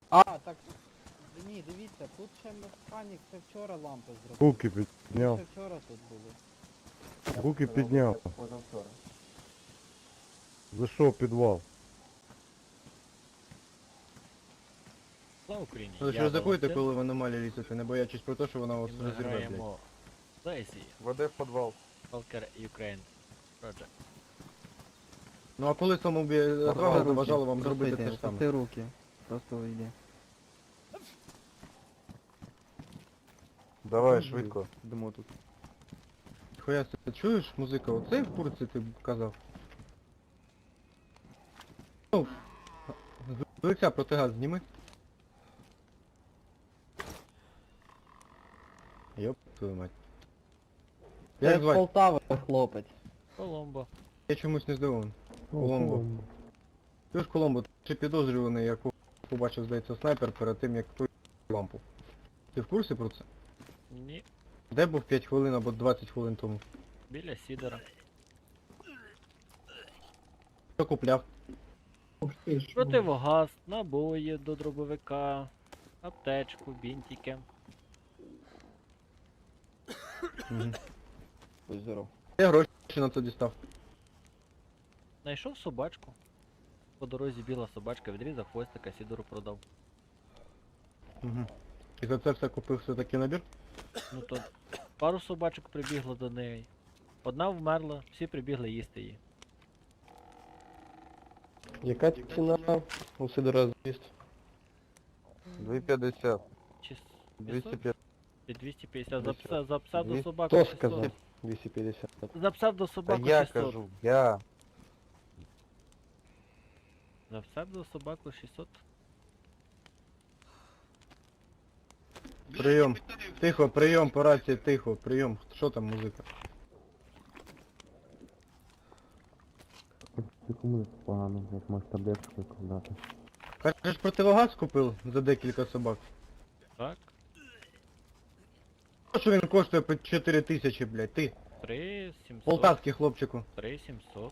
А, так. Ні, дивіться, тут ще механік, це вчора лампи зробив. Руки Ми підняв. ще вчора тут були. Руки підняв. Позавчора. Зайшов в підвал. Слава Україні! Ви ж Я ризикуєте, Валентин. коли в аномалії лізете, не боячись про те, що вона вас І ми розірве, блядь. граємо Daisy, Води в підвал. Stalker Ukraine Project. Ну а коли самобі отвага заважала вам зробити те ж саме? Опусти руки. Просто вийди. Давай, швидко. Йдемо тут. Хуя ти чуєш, музика, оцей в курці ти казав? Ну, з лиця протигаз зніми. Йоп, твою мать. Це Як з звати? Полтави хлопець. Коломбо. Я чомусь не здивований. Коломбо. Ти ж Коломбо, ти підозрюваний, як побачив, здається, снайпер перед тим, як той лампу. Ти в курсі про це? Ні. Де був 5 хвилин або 20 хвилин тому? Біля Сідора. Що купляв? Противогаз, набої до дробовика, аптечку, бінтики. Угу. Будь здоров. Я гроші на це дістав. Знайшов собачку. По дорозі біла собачка, відрізав хвостика, Сідору продав. Угу. І за це все купив все-таки набір? Ну то пару собачок прибігло до неї. Одна вмерла, всі прибігли їсти її. Яка ціна у Сидора з'їзд? 250. Чи 250. 250 за пса до 200. собаку Хто 600. сказав? 250. За пса до Та собаку я 600. кажу, я. За пса до собаку 600. Прийом. Тихо, прийом по рації, тихо, прийом. Що там музика? Секунду погано, як може таблетку дати. Кажеш, противогаз купив за декілька собак? Так. Що він коштує по 4 тисячі, блядь, ти? 3700. Полтавський хлопчику. 3700.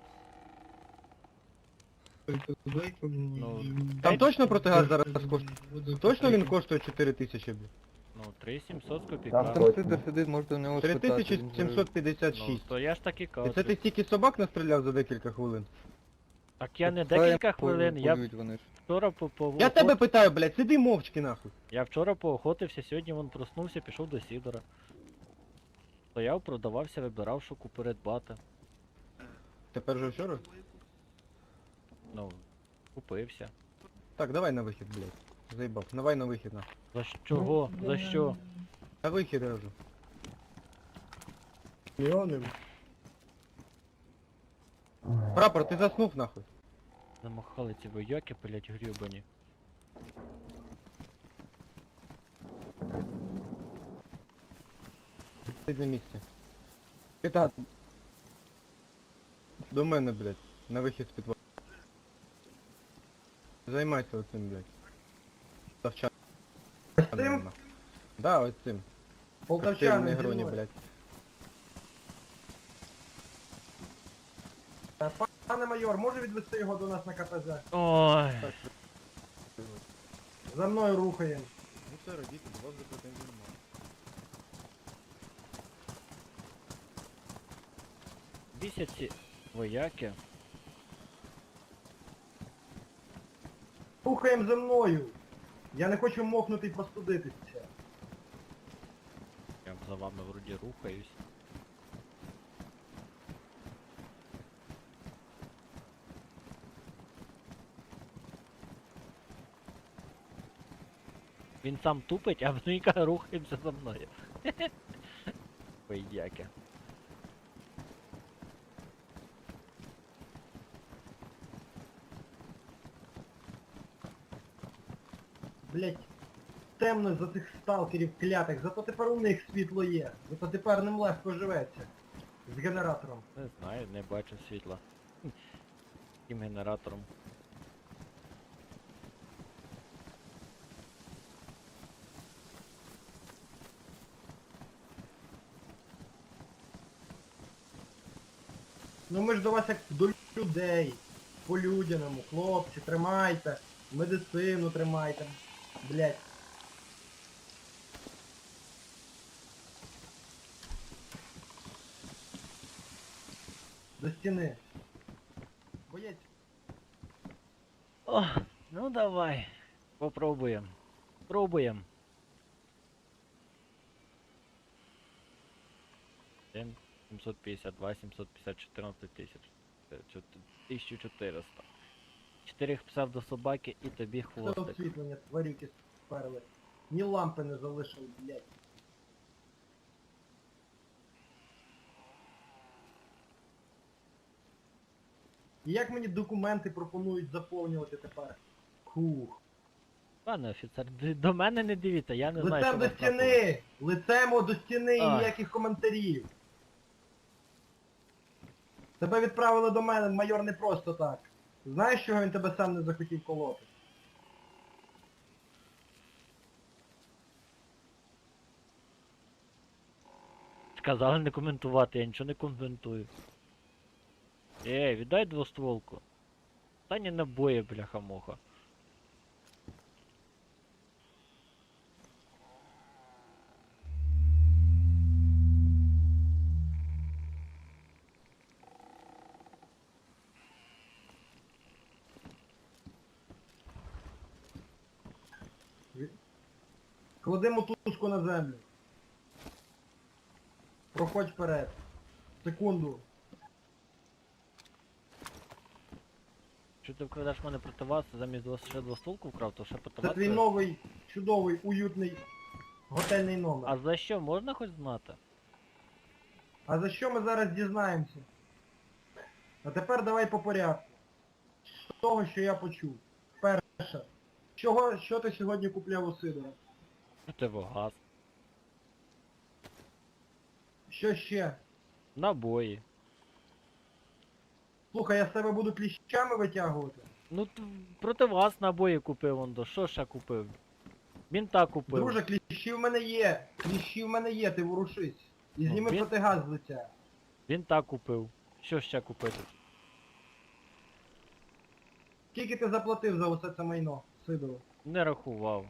Ну, Там точно протигаз зараз коштує? Точно він коштує 4 тисячі, блядь? ну 3700 з Там копійками. Сидор сидить, можете в нього спитати. він же- 3756. Ну, то я ж так і І кажу. це ти стільки собак настріляв за декілька хвилин? Так я не Та я декілька хвилин, я полюють вони ж. вчора по Я тебе питаю, блядь, сиди мовчки нахуй. Я вчора поохотився, сьогодні вон проснувся, пішов до Сідора. Стояв, продавався, вибирав, що придбати. Тепер же вчора? Ну, купився. Так, давай на вихід, блядь. Заїбав. Давай на вихід нахуй. За чого? За що? На вихід я кажу. Прапор, ти заснув нахуй. Замахали ці вояки, блять, грюбані. Сидь на місці. Пита. До мене, блядь. На вихід з підвалу. Займайся оцим, блядь. Завча. Цим? Да, ось цим. Полтавчани, Негроні, зі мною. блядь. Пане майор, може відвести його до нас на КПЗ? Ой. За мною рухаємо. Ну все, родіть, у вас запитань немає. Бісять ці вояки. Рухаємо за мною. Я не хочу мокнути і простудитися. Я за вами вроді рухаюсь. Він сам тупить, а вони рухаємося за мною. Вояки. Блять, темно за цих сталкерів клятих, зато тепер у них світло є. Зато тепер ним легко живеться. З генератором. Не знаю, не бачу світла. Тим генератором. Ну ми ж до вас як до людей. По-людяному, хлопці, тримайте. Медицину тримайте. Блять. До стіни. Боєць. О, ну давай. Попробуємо. Пробуємо. 752, 750, 14 тисяч. 1400. 4 псевдособаки і тобі Все хвостик. освітлення, тварюки сперли. Ні лампи не залишили, блять. І як мені документи пропонують заповнювати тепер? Хух. Пане офіцер, до мене не дивіться, я не знаю, Лицем що до вас трапилось. стіни! Лицем до стіни і Ай. ніяких коментарів. Тебе відправили до мене, майор, не просто так. Знаєш, чого він тебе сам не захотів колоти? Сказали не коментувати, я нічого не коментую. Віддай двостволку. Та не набої, бляха-муха. Клади мотузку на землю. Проходь вперед. Секунду. Що ти вкрадеш мене проти вас, замість ще двостволку вкрав, то ще проти Це вас? твій новий, чудовий, уютний готельний номер. А за що можна хоч знати? А за що ми зараз дізнаємося? А тепер давай по порядку. З того, що я почув. Перше. Що ти сьогодні купляв у Сидора? Противогаз. Що ще? Набої. Слухай, я з тебе буду кліщами витягувати. Ну, проти вас набої купив, Ондо. Що ще купив? Бінта купив. Друже, кліщі в мене є. Кліщі в мене є, ти ворушись. І Ну, зніми він- протигаз з лиця. Бінта купив. Що ще купити? Скільки ти заплатив за усе це майно, Сидору? Не рахував.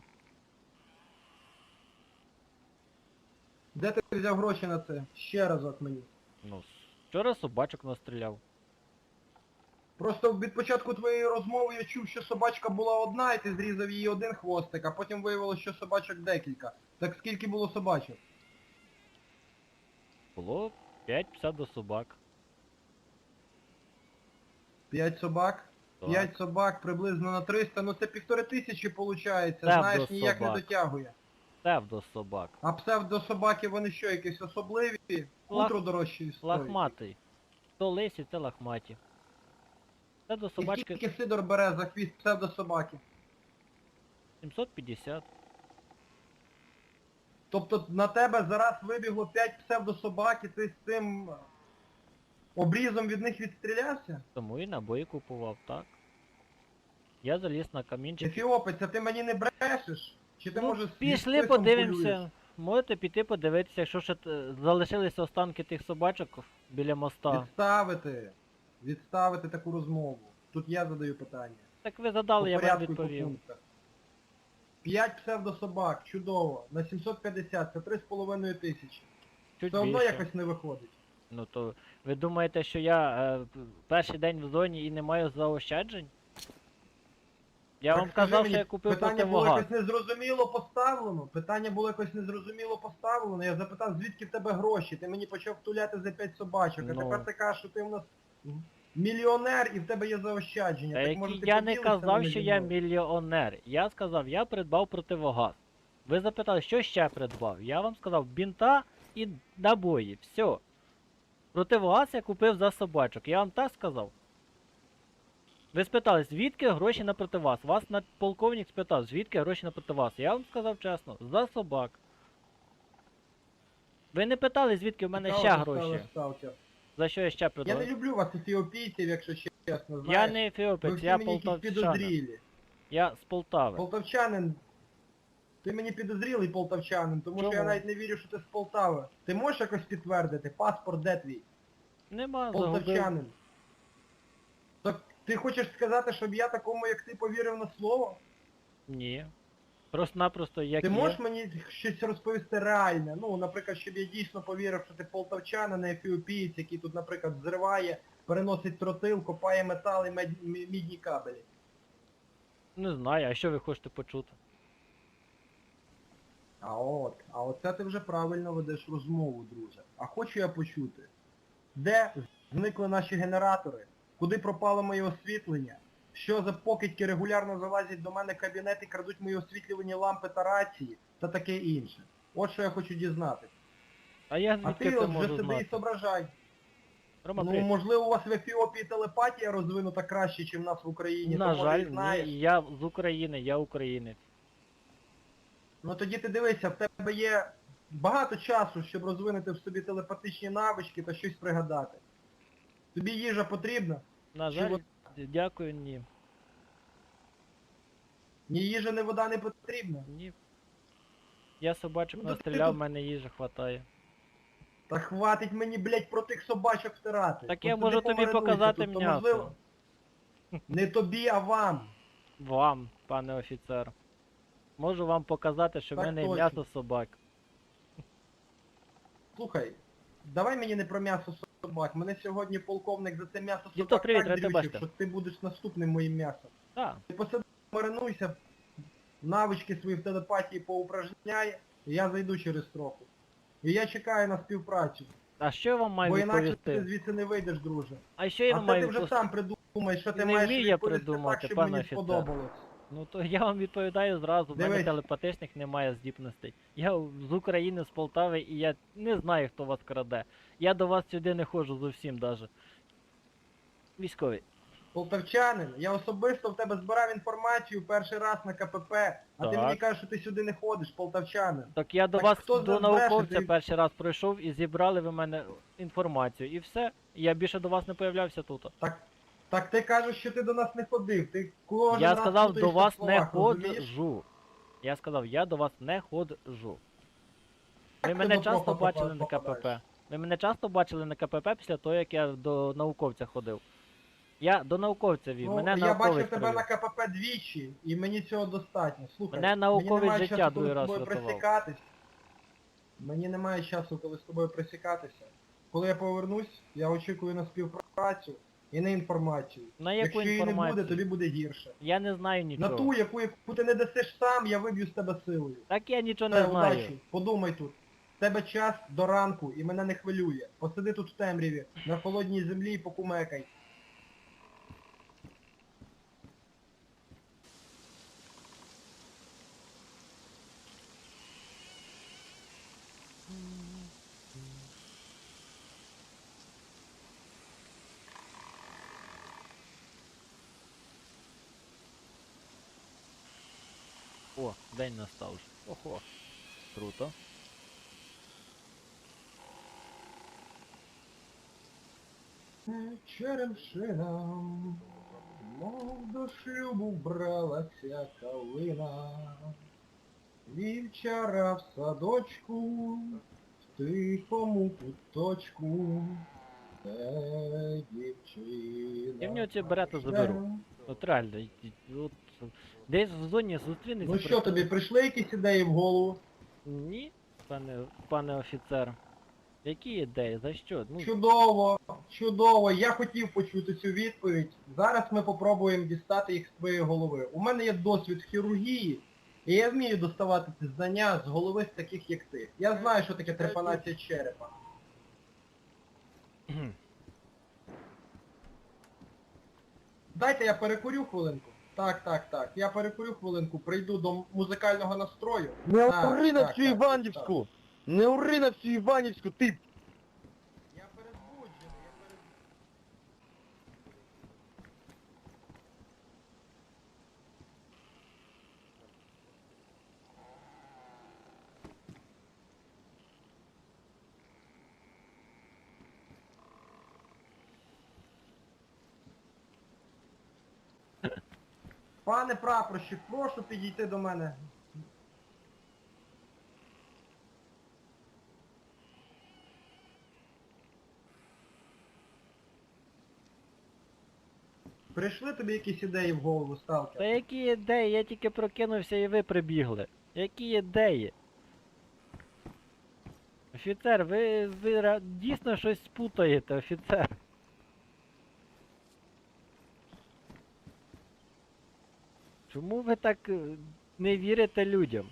Де ти взяв гроші на це? Ще разок мені. Ну, вчора собачок настріляв. Просто від початку твоєї розмови я чув, що собачка була одна, і ти зрізав її один хвостик, а потім виявилося, що собачок декілька. Так скільки було собачок? Було 5 псевдособак. 5 собак? Так. 5 собак приблизно на 300, ну це 1500 виходить, знаєш, ніяк не собак. дотягує. Псевдособак. А псевдособаки вони що, якісь особливі? Утро дорожчі стоїть. Лахматий. То лисі, це лахматі. І Псевдособачки скільки Сидор бере за хвіст псевдособаки? 750. Тобто на тебе зараз вибігло 5 псевдособак, і ти з цим обрізом від них відстрілявся? Тому і набої купував, так. Я заліз на камінчик. Ефіопець, а ти мені не брешеш? Чи ти Ну, може пішли подивимося. Можете піти подивитися, якщо ще залишилися останки тих собачок біля моста. Відставити таку розмову. Тут я задаю питання. Так ви задали, я По вам порядку і по відповів. пунктах. 5 псевдособак, чудово. На 750, це 3,5 тисячі. Чуть Все одно більше. якось не виходить. Ну то ви думаєте, що я перший день в зоні і не маю заощаджень? Я Так вам скажи казав, мені, що я купив питання було противогаз. якось незрозуміло поставлено. Питання було якось незрозуміло поставлено. Я запитав, звідки в тебе гроші. Ти мені почав втуляти за 5 собачок. А Ну. тепер ти кажеш, що ти у нас мільйонер і в тебе є заощадження. Та Так може ти я не поділишся казав, ними що зі я мною? мільйонер. Я сказав, я придбав противогаз. Ви запитали, що ще придбав? Я вам сказав, бінта і набої. Все. Противогаз я купив за собачок. Я вам так сказав. Ви спитали, звідки гроші на противогаз? Вас полковник спитав, звідки гроші на противогаз? Я вам сказав чесно, за собак. Ви не питали, звідки в мене Цікаво, ще ти гроші. ставиш сталкер. За що я ще Я придбав? не люблю вас ефіопійців, якщо чесно, Я знаєш. не Ви ефіопець, всі я мені якісь полтавчанин. підозрілі. Я з Полтави. Полтавчанин. Ти мені підозрілий полтавчанин, тому що я Чому? навіть не вірю, що ти з Полтави. Ти можеш якось підтвердити? Паспорт де твій? Нема, загубив. Полтавчанин. Так ти хочеш сказати, щоб я такому, як ти, повірив на слово? Ні. Просто-напросто як Ти є. можеш мені щось розповісти реальне? Ну, наприклад, щоб я дійсно повірив, що ти полтавчанин, а не ефіопієць, який тут, наприклад, взриває, переносить тротил, копає метал і мідні кабелі. Не знаю, а що ви хочете почути? А оце ти вже правильно ведеш розмову, друже. А хочу я почути, де зникли наші генератори, куди пропало моє освітлення, що за покидьки регулярно залазять до мене в кабінет і крадуть мої освітлювані лампи та рації та таке інше. От що я хочу дізнатися. А я А звідки ти це от вже можу сиди і знати? соображай. Рома, Ну, привіт. можливо, у вас в Ефіопії телепатія розвинута краще, ніж в нас в Україні. На то, жаль, може, і знаєш. ні, я з України, я українець. Ну тоді ти дивися, в тебе є багато часу, щоб розвинути в собі телепатичні навички та щось пригадати. Тобі їжа потрібна? На Чи жаль, вот- дякую, ні. Ні їжа, ні вода не потрібна. Ні. Я собачок Ну, то ти настріляв, в тут- мене їжі хватає. Та хватить мені, блядь, про тих собачок втирати. Так я От можу ти тобі помаринуйся показати тут, то, м'ясо. можливо, не тобі, а вам. Вам, пане офіцер. Можу вам показати, що в Так мене є точно. м'ясо собак. Слухай, давай мені не про м'ясо собак. Мене сьогодні полковник за це м'ясо Дідо, собак привіт, так рад тебе дрючив, бачити. що ти будеш наступним моїм м'ясом. Так, Ти посиди, маринуйся, навички свої в телепатії поупражняй, і я зайду через трохи. І я чекаю на співпрацю. а що я вам маю Бо інакше ти відповісти? звідси не вийдеш, друже. А що я А вам це маю ти вже відповісти? сам придумай, що ти Не маєш вмію я відповісти придумати, так, щоб пане мені офіцер. сподобалось. Ну то я вам відповідаю зразу, в мене Дивись. телепатичних немає здібностей. Я з України, з Полтави, і я не знаю, хто вас краде. Я до вас сюди не ходжу зовсім даже. Військовий. Полтавчанин, я особисто в тебе збирав інформацію перший раз на КПП, а ти Так. мені кажеш, що ти сюди не ходиш, полтавчанин. Так я до Так вас, хто до з нас бреше? науковця Ти- перший раз пройшов і зібрали ви мене інформацію. І все. Я більше до вас не появлявся тут. Так ти кажеш, що ти до нас не ходив, ти кожен Я раз сказав, плутаєшся до вас в словах, не розумієш? ходжу. Я сказав, я до вас не ходжу. Ви Так мене ти до часто Прохопа бачили на попадаєш. КПП. Ви мене часто бачили на КПП після того, як я до науковця ходив. Я до науковця вів, Ну, мене я науковець бачив тебе привів. на КПП двічі, і мені цього достатньо. Слухай, Мене науковець мені немає життя часу, другий коли раз з тобою врятував. присікатись. Мені немає часу, коли з тобою присікатися. Коли я повернусь, я очікую на співпрацю і на інформацію. На яку Якщо її не буде, інформацію? тобі буде гірше. Я не знаю На нічого. ту, яку ти не дасиш сам, я виб'ю з тебе силою. Так я нічого Все, не знаю. удачі, подумай тут. В тебе час до ранку і мене не хвилює. Посиди тут в темряві, на холодній землі і покумекай. О, день настав вже. Охо. Круто. Черемшина, мов до шлюбу бралася калина. Вівчара в садочку, в тихому куточку, де дівчина. Я в нього ці берета заберу. От реально, от, десь в зоні зустрінеться. Ну що тобі, прийшли якісь ідеї в голову? Ні, пане офіцер. Які ідеї? За що? Ну, Чудово, чудово, я хотів почути цю відповідь. Зараз ми попробуємо дістати їх з твоєї голови. У мене є досвід в хірургії, і я вмію доставати ці знання з голови з таких, як ти. Я знаю, що таке трепанація черепа. Дайте я перекурю хвилинку. Так. Я перекурю хвилинку, прийду до музикального настрою. Не Так, ури на так, всю так, Іванівську! Не ури на всю Іванівську, ти! Я перезбуджений, Пане прапорщик, прошу підійти до мене. Прийшли тобі якісь ідеї в голову, Та сталкер? які ідеї? Я тільки прокинувся і ви прибігли. Які ідеї? Офіцер, ви дійсно щось спутаєте, офіцер. Чому ви так не вірите людям?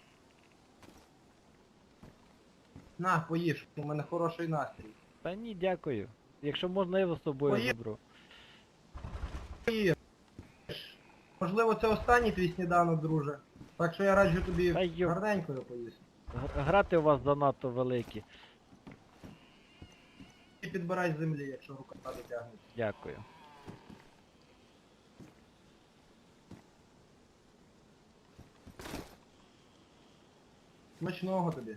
На, поїж, у мене хороший настрій. Та ні, дякую. Якщо можна, я його з собою Поїд- заберу. Поїж. Можливо, це останній твій сніданок, друже. Так що я раджу тобі Та йо. гарненько його поїсти. Грати у вас занадто великі. І підбирай з землі, якщо рука дотягнеться. Дякую. Смачного тобі.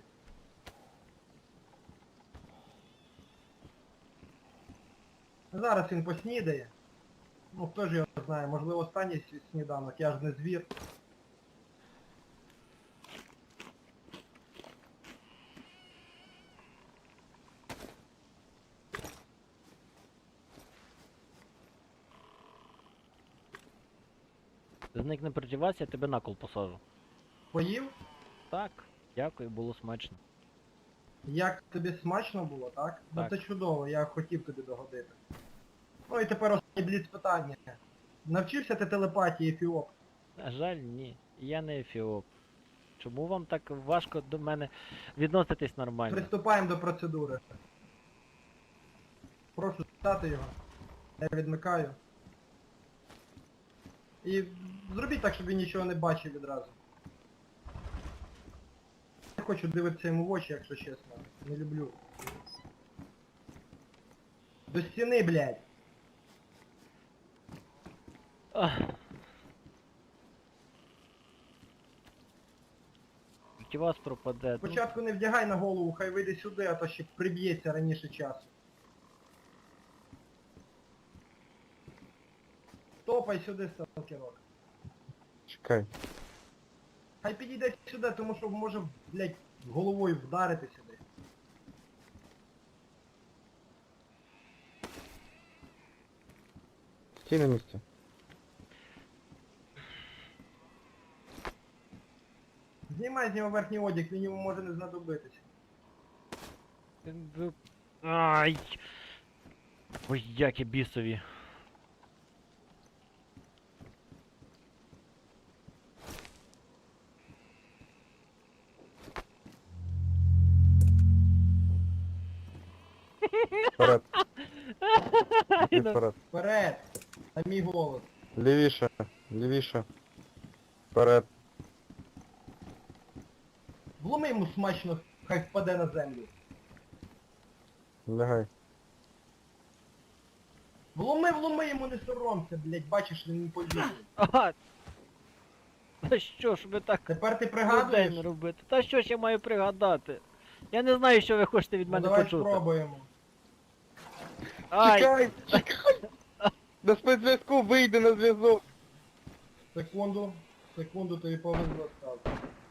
Зараз він поснідає. Ну хто ж його знає, можливо останній сніданок, я ж не звір. Зникне проти вас, я тебе на кол посажу. Поїв? Так, дякую, було смачно. Як тобі смачно було, так? Ну Так. це чудово, я хотів тобі догодити. Ну і тепер останнє бліц питання. Навчився ти телепатії, Ефіоп? На жаль, ні. Я не ефіоп. Чому вам так важко до мене відноситись нормально? Приступаємо до процедури. Прошу стати його. Я відмикаю. І зробіть так, щоб він нічого не бачив відразу. Не хочу дивитися йому в очі, якщо чесно. Не люблю. До стіни, блядь. Ах. Тільки вас пропаде. Ну, Спочатку не вдягай на голову, хай вийде сюди, а то ще приб'ється раніше часу. Топай сюди, сталкерок. Чекай. Хай підійде сюди, тому що може, блядь, головою вдарити сюди. Стій на місці. Знімай з нього верхній одяг, він йому може не знадобитися. ви- Ай! Ой, які бісові. Вперед. Іди вперед. Вперед! На мій голос. Лівіше. Лівіше. Вперед. Вломи йому смачно, хай впаде на землю. Лягай. Вломи йому, не соромся, блядь, бачиш, він не повірить. Ага! Та що ж ви так Тепер ти людей пригадуєш? не робите? Та що ж я маю пригадати? Я не знаю, що ви хочете від Ну мене давай почути. спробуємо. Ай! Чекай! Чекай! До спецзв'язку вийди на зв'язок. Секунду, тобі повезло стати.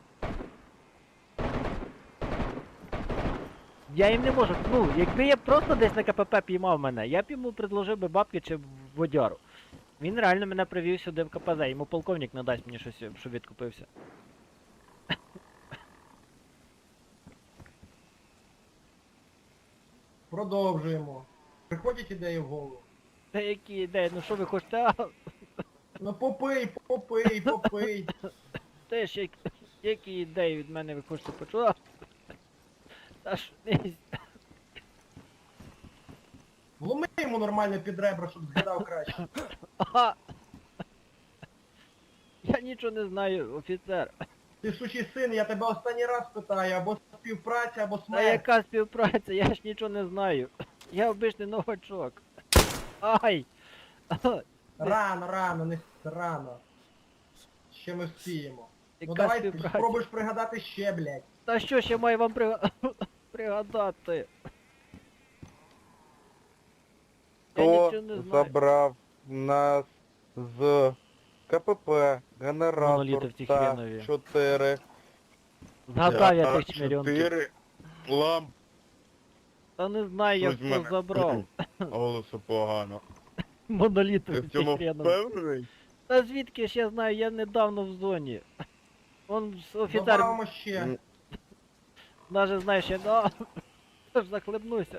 Я їм не можу. Ну, якби я просто десь на КПП піймав мене, я б йому предложив би бабки чи водяру. Він реально мене привів сюди в КПЗ, йому полковник не дасть мені щось, щоб відкупився. Продовжуємо. Приходять ідеї в голову. Та які ідеї, ну що ви хочете? А, Ну попий. теж які ідеї від мене ви хочете почути? А, та ж не... Вломи йому нормально під ребра, щоб згадав краще. Ага. Я нічого не знаю, офіцер. Ти сучий син, я тебе останній раз питаю, або співпраця, або Та смерть. яка співпраця? Я ж нічого не знаю. Я обичний новачок. Ай! Рано, не рано. Ще ми вспіємо. Ну Яка давай співпраця? спробуєш пригадати ще, блядь. Та що ж я маю вам пригадати? Я Хто нічого не знаю. забрав нас з КПП, генератор Моноліти в та хренові. 4. Згадав я тих чмірьонків. 4 ламп, Та не знаю, я Щось в хто мене. забрав. голосу погано. Монолітом Ти в цьому хреном. впевнений? Та звідки ж я знаю, я недавно в зоні. Он офіцер Добавимо ще. М. навіть знаєш, я да, аж захлебнуся.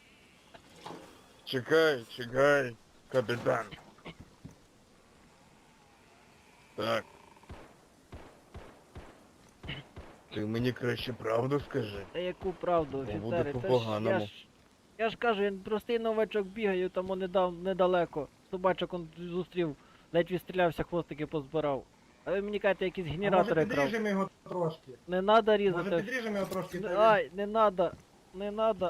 Чекай, капітан. Так. Ти мені краще правду скажи. Та яку правду, Буде офіцери? Та ж по-поганому. я ж кажу, я простий новачок бігаю, там он недалеко. Собачок он зустрів, ледь відстрілявся, хвостики позбирав. А ви мені кажете, якісь А може генератори крав. підріжемо його трошки? Не надо Може різати. підріжемо його трошки? Ай, не надо. Не надо.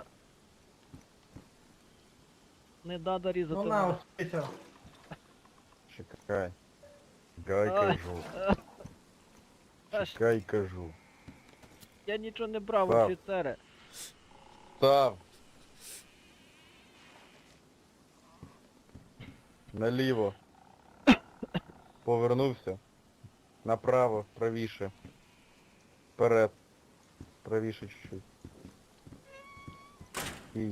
Не надо різати. Ну на, мене. успійся. Чекай. Чекай, Ай. кажу. Аж Чекай, кажу. я нічого не брав, Так. офіцере. Став. Наліво. Повернувся. Направо, правіше. Вперед. Правіше чуть-чуть. І.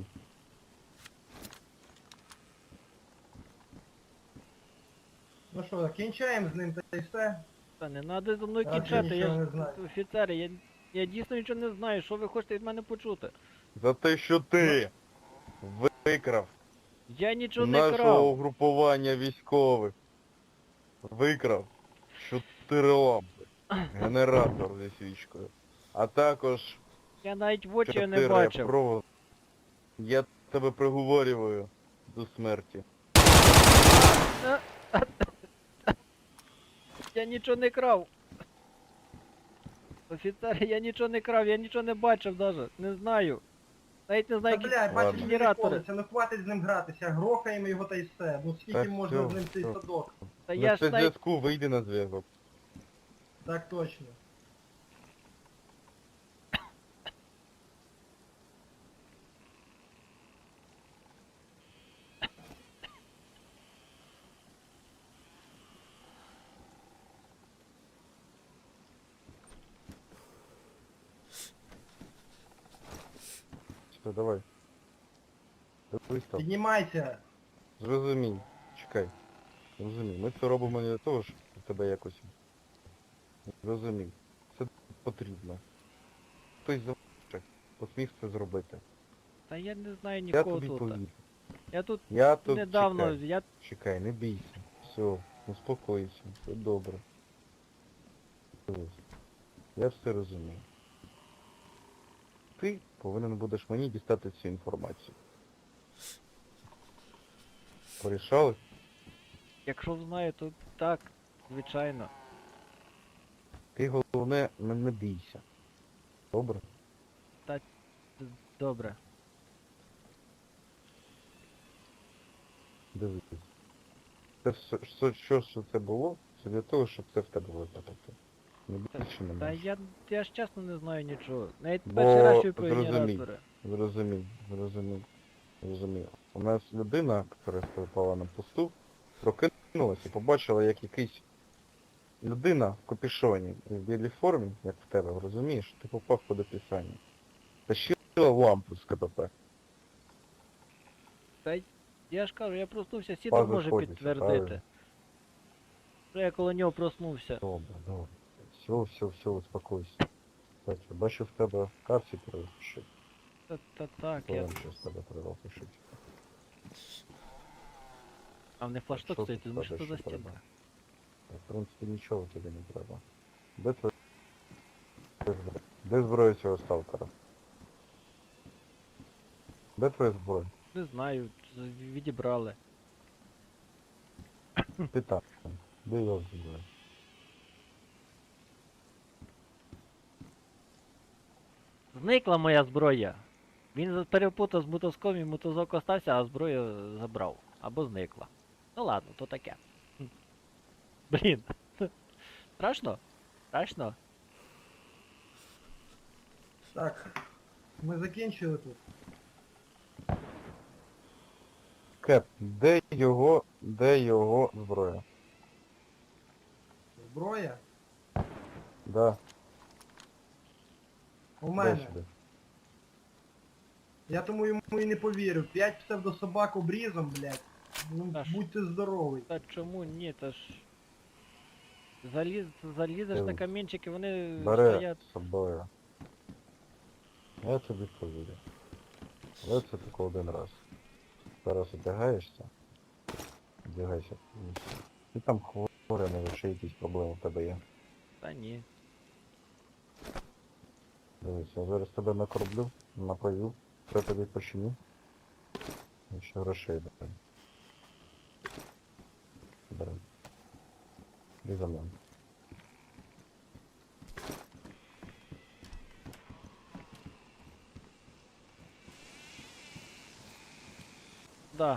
Ну що, кінчаємо з ним та й все. Та не надо зі мною Я кінчати, взагалі я нічого ж не знаю. офіцери, я дійсно нічого не знаю, що ви хочете від мене почути. За те, що ти викрав Я нічого не нашого крав. угрупування військових. Викрав 4 лампи. Генератор зі свічкою. А також Я навіть в очі 4 не бачив. провод. Я тебе приговорюю до смерті. Я нічого не крав. Офіцер, я нічого не крав, я нічого не бачив даже. Не знаю. Навіть не Та знаю, які... бля, бачиш, Ладно. він Генератори. колиться, ну хватить з ним гратися, грохаємо його та й все. Ну скільки Так, можна всьо, з ним цей всьо. садок? Та На я ж навіть... зв'язку вийди на зв'язок. Так точно. Все, давай. Дивись там. Піднімайся. Зрозумій. Чекай. Зрозумій. Ми це робимо не для того, щоб тебе якось... Зрозумій. Це потрібно. Хтось завжди посмів це зробити. Та я не знаю Я нікого тобі тут. повірю. Я тут Я тут недавно, чекай. я... Чекай, не бійся. Все, успокойся, все добре. Дивись. Я все розумію. Ти повинен будеш мені дістати цю інформацію. Порішали? Якщо знаю, то так, звичайно. Ти головне не бійся. Добре? Добре. Дивись. Це що це було? Це для того, щоб це в тебе випадати. Не більше не Та менше. я ж чесно не знаю нічого. Навіть Бо перший раз чую про зрозумій. генератори. Зрозумів. У нас людина, яка спала на посту, прокинулася і побачила, як якийсь людина в капюшоні і в білій формі, як в тебе, розумієш, ти попав під описання. Тащила лампу з КПП. Я ж кажу, я проснувся, Сідор Пазл може сходиться, підтвердити. правильно. Що я коло нього проснувся. Добре. Все, успокойся. Так, я бачу в тебе капці перепиши. Так, я... Повинен щось з тебе перепишити. А в них флашток Що стоїть, ти тут думаєш, що тебе за ще треба? стінка? В принципі, нічого тобі не треба. Де твоя... Де зброя цього сталкера? Де твоя зброя? Не знаю, відібрали. Ти так. Де його зброя? Зникла моя зброя. Він перепутав з мотузком і мотузок остався, а зброю забрав. Або зникла. Ну ладно, то таке. Хм. Блін. Страшно? Страшно? Так. Ми закінчили тут. Кеп, де його зброя? Зброя? Да, У дай мене. сюди. Я тому йому і не повірив. 5 псевдособак обрізом, блядь. Ну, Та ж. будьте здоровий. Та чому ні, та ж. Залізеш на камінчики, вони Бери стоять. з собою. Я тобі повірю. Але це тільки один раз. Зараз одягаєшся. Одягайся повністю. Ти там хворий, навіть ще якісь проблеми в тебе є. Та ні. Дивись, я зараз тебе накорблю, напою, все тобі починю. І ще грошей дам. Бери. І за мною. Да.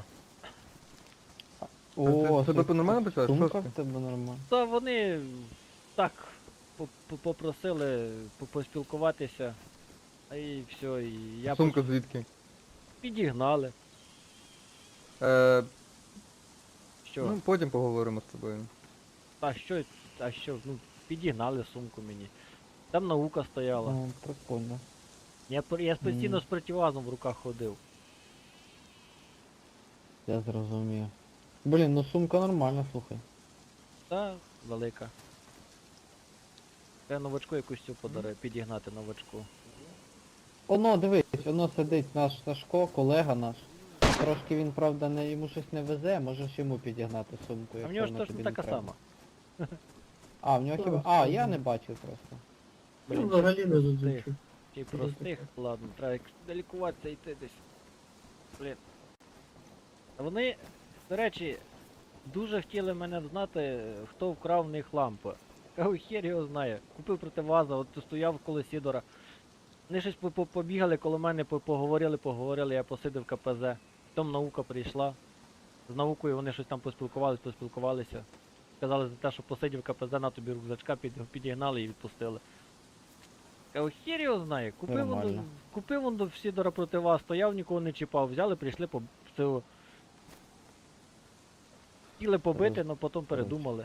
О, Тебе по-нормально почали? сумка в тебе нормально. Та вони так попросили поспілкуватися. А і все, і я Сумка звідки? підігнали. Е, Що? ну, потім поговоримо з тобою. А що, ну, підігнали сумку мені. Там наука стояла. О, прикольно. Я постійно Мгм. з противазом в руках ходив. Я зрозумів. Блін, ну сумка нормальна, слухай. Та велика. Я новачку якусь цю підігнати новачку. Оно, дивись, воно сидить наш Сашко, колега наш. Трошки він, правда, не, йому щось не везе, можеш йому підігнати сумку, А в якщо нього ж вона точно тобі не така треба. сама. А, в нього хіба... А, я не бачив просто. Блін, взагалі не простих. зазначу. Ті простих, ладно, треба лікуватися йти десь. Блін. Вони, до речі, дуже хотіли мене знати, хто вкрав в них лампи. Кажу, хер його знає. Купив противаза, от стояв коло Сідора. Вони щось побігали коло мене, поговорили, я посидив в КПЗ. Потім наука прийшла. З наукою вони щось там поспілкувалися. Сказали за те, що посидів в КПЗ, на тобі рюкзачка підігнали і відпустили. Кажу, хер його знає. Нормально. Купив он до Сідора противаз, стояв, нікого не чіпав. Взяли, прийшли по цього. Хотіли побити, але потім передумали.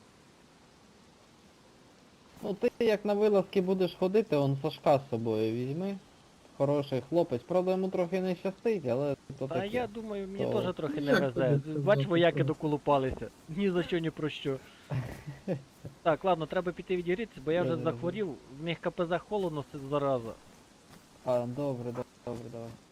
Ну ти як на вилазки будеш ходити, он Сашка з собою візьми. Хороший хлопець, правда йому трохи не щастить, але то Та таке. я думаю, мені То- теж трохи Ну, не як везе. тобі Бач, сказати, вояки що? доколупалися. Ні за що, ні про що. Так, ладно, треба піти відігрітися, бо я вже Добре. захворів, в них КПЗ холодно, це зараза. А, добре, добре, давай.